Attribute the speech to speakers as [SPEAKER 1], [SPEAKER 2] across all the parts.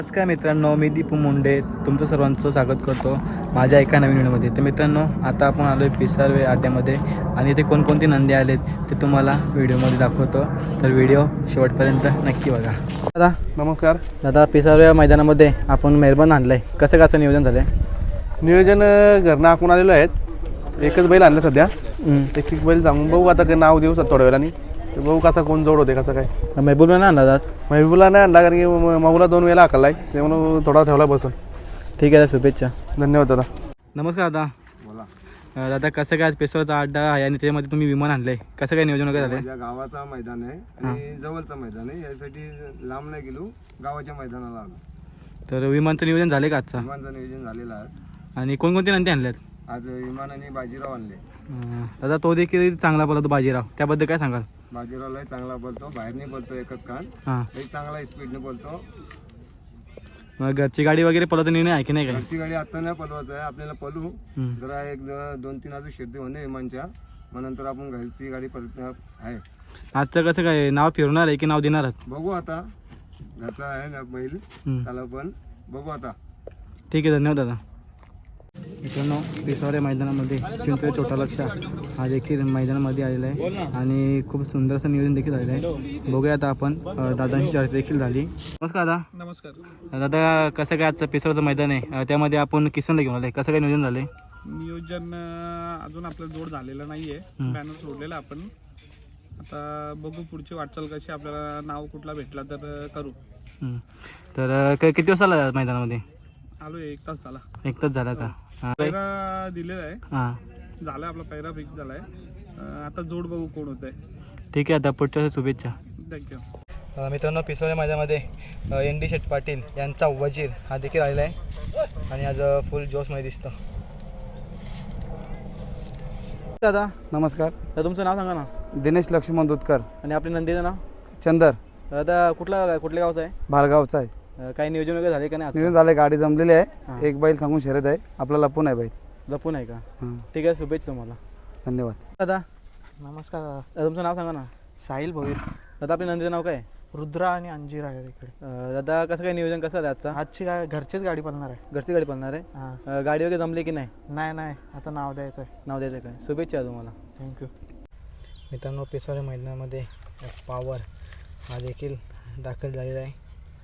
[SPEAKER 1] नमस्कार मित्रांनो, मी दीपू मुंडे तुमचं सर्वांचं स्वागत करतो माझ्या एका नवीन व्हिडिओमध्ये. तर मित्रांनो, आता आपण आलो आहे पिसारवे अड्ड्यामध्ये आणि इथे कोणकोणती नंदी आलेत ते तुम्हाला व्हिडिओमध्ये दाखवतो. तर व्हिडिओ शेवटपर्यंत नक्की बघा. दादा
[SPEAKER 2] नमस्कार.
[SPEAKER 1] दादा, पिसारवे मैदानामध्ये आपण मेहरबान आणलं आहे, कसं नियोजन झालं आहे?
[SPEAKER 2] नियोजन घरनं आखून आलेलो आहेत. एकच बैल आणलं सध्या. एक बैल सांगून बघू आता काय नाव देऊ थोड्या वेळाने. बघू कसा कोण जोड होते कसं काय.
[SPEAKER 1] महबूबला नाही आणला दादा?
[SPEAKER 2] महबूबला नाही आणला कारण की माऊला 2 वेळा हाकलला आहे, त्यामुळे थोडा ठेवला बसून.
[SPEAKER 1] ठीक आहे, शुभेच्छा.
[SPEAKER 2] धन्यवाद दादा.
[SPEAKER 1] नमस्कार दादा.
[SPEAKER 3] बोला
[SPEAKER 1] दादा, कसं काय आज पिसारचा अड्डा आहे आणि त्याच्यामध्ये तुम्ही विमान आणलं आहे, कसं काय नियोजन वगैरे झालं आहे?
[SPEAKER 3] माझ्या गावाचा मैदान आहे आणि जवळचं मैदान आहे, यासाठी लांब नाही गेलो, गावाच्या मैदानाला आलो.
[SPEAKER 1] तर विमानचं नियोजन झालं का आजचा?
[SPEAKER 3] विमानचं नियोजन झालेलं आज.
[SPEAKER 1] आणि कोणकोणते नंदी आणल्यात?
[SPEAKER 3] आज विमान आणि बाजीराव आणले.
[SPEAKER 1] दादा, तो देखील चांगला बोलतो बाजीराव, त्याबद्दल काय सांगाल?
[SPEAKER 3] बाजीरावलाही चांगला बोलतो, बाहेरने बोलतो एकच कान,
[SPEAKER 1] हां,
[SPEAKER 3] तरी चांगला स्पीडने बोलतो.
[SPEAKER 1] मग घरची गाडी वगैरे पळत निर्णय आहे की नाही काय?
[SPEAKER 3] घरची गाडी आता नाही पलवायचं आहे, आपल्याला पलू जरा 1-2-3 अजून शिर्डी होणे विमानच्या, मग नंतर आपण घरची गाडी परत आहे.
[SPEAKER 1] आजचं कसं काय नाव फिरणार आहे की नाव देणार आहात?
[SPEAKER 3] बघू आता, घरचा आहे ना बैल, त्याला पण बघू आता.
[SPEAKER 1] ठीक आहे, धन्यवाद दादा. मित्रांनो, पिसावरे मैदानामध्ये चिंचवे छोटा लक्ष हा देखील मैदानामध्ये आलेला आहे आणि खूप सुंदर असं नियोजन देखील झालेलं आहे. बघूया आता आपण दादांची चर्चा देखील झाली. नमस्कार दादा.
[SPEAKER 2] नमस्कार
[SPEAKER 1] दादा, कसं काय आजचं पिसावरचं मैदान आहे, त्यामध्ये आपण किसनला घेऊन आले, कसं काय नियोजन झालं आहे?
[SPEAKER 2] नियोजन अजून आपलं जोड झालेलं नाहीये. बॅनर सोडलेला आपण. आता बघू पुढची वाटचाल कशी, आपल्याला नाव कुठला भेटला तर करू.
[SPEAKER 1] तर किती दिवस आला मैदानामध्ये?
[SPEAKER 2] आलो 1 तास झाला.
[SPEAKER 1] 1 तास झाला का?
[SPEAKER 2] पैरा दिलेला आहे,
[SPEAKER 1] हां,
[SPEAKER 2] झाला आपला पैरा फिक्स झालाय. आता जोड बघू कोण होत आहे.
[SPEAKER 1] ठीक आहे, आता पुढच्या शुभेच्छा.
[SPEAKER 2] थँक्यू.
[SPEAKER 1] मित्रांनो, पिसावरे मैदानामध्ये ND शेठ पाटील यांचा वजीर हा देखील आलेला आहे आणि आज फुल जोशमध्ये दिसतो. दादा
[SPEAKER 3] नमस्कार.
[SPEAKER 1] तर तुमचं नाव सांगा ना.
[SPEAKER 3] दिनेश लक्ष्मण दुधकर.
[SPEAKER 1] आणि आपल्या नंदीचं नाव?
[SPEAKER 3] चंदर.
[SPEAKER 1] दादा, कुठल्या गावचं आहे?
[SPEAKER 3] भालगावचा आहे.
[SPEAKER 1] काही नियोजन वगैरे झाले का नाही?
[SPEAKER 3] नियोजन झालंय, गाडी जमलेली आहे. एक बैल सांगून शर्यत आहे, आपला लपून आहे बैल.
[SPEAKER 1] लपून आहे का?
[SPEAKER 3] हां,
[SPEAKER 1] ठीक आहे, शुभेच्छा तुम्हाला.
[SPEAKER 3] धन्यवाद.
[SPEAKER 1] दादा,
[SPEAKER 4] नमस्कार दादा.
[SPEAKER 1] तुमचं नाव सांगा ना.
[SPEAKER 4] साहिल भोईर.
[SPEAKER 1] दादा, आपल्या नंदीचं नाव काय?
[SPEAKER 4] रुद्रा आणि अंजीर आहे इकडे.
[SPEAKER 1] दादा, कसं काय नियोजन कसं आहे आजचा?
[SPEAKER 4] आजची काय घरचीच गाडी पळणार आहे.
[SPEAKER 1] घरची गाडी पळणार आहे?
[SPEAKER 4] हां.
[SPEAKER 1] गाडी वगैरे जमली की नाही?
[SPEAKER 4] नाही आता नाव द्यायचं आहे.
[SPEAKER 1] नाव द्यायचं काय? शुभेच्छा तुम्हाला.
[SPEAKER 4] थँक्यू.
[SPEAKER 1] मित्रांनो, पिसावरे मैदानामध्ये पावर हा देखील दाखल झालेला आहे.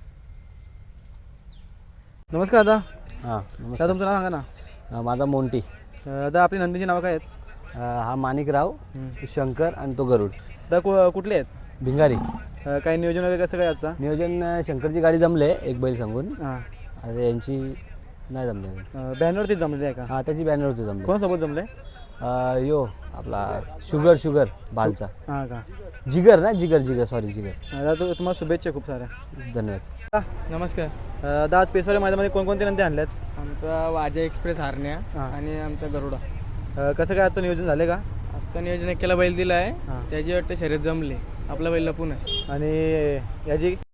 [SPEAKER 1] नमस्कार दादा.
[SPEAKER 5] हां
[SPEAKER 1] दादा, तुमचं नाव सांगा ना.
[SPEAKER 5] माझा मोंटी.
[SPEAKER 1] दादा, आपली नंदीची नावं काय आहेत?
[SPEAKER 5] हा माणिकराव, शंकर आणि तो गरुड.
[SPEAKER 1] दादा, कुठले आहेत?
[SPEAKER 5] भिंगारी.
[SPEAKER 1] काही नियोजन वगैरे कसं काय आजचा?
[SPEAKER 5] नियोजन शंकरची गाडी जमले एक बैल सांगून.
[SPEAKER 1] हां,
[SPEAKER 5] आता यांची नाही जमले.
[SPEAKER 1] बॅनरवरतीच जमले आहे का?
[SPEAKER 5] हां, त्याची बॅनरवरती जमले.
[SPEAKER 1] कोणासोबत जमले?
[SPEAKER 5] यो आपला शुगर भालचा.
[SPEAKER 1] हां का?
[SPEAKER 5] जिगर सॉरी जिगर.
[SPEAKER 1] दादा, तुम्हाला शुभेच्छा खूप साऱ्या.
[SPEAKER 5] धन्यवाद.
[SPEAKER 4] नमस्कार.
[SPEAKER 1] दादा, आज पिसावरे मैदानामध्ये कोणकोणते नंदी आणल्यात?
[SPEAKER 4] आमचा वाजा एक्सप्रेस हारण्या
[SPEAKER 1] हां.
[SPEAKER 4] आणि आमचा गरुडा.
[SPEAKER 1] कसं काय आजचं नियोजन झालं का?
[SPEAKER 4] आजचं नियोजन केला बैल दिला आहे.
[SPEAKER 1] हां.
[SPEAKER 4] त्याची वाटतं शर्यत जमली. आपला बैल लपून आहे.
[SPEAKER 1] आणि याची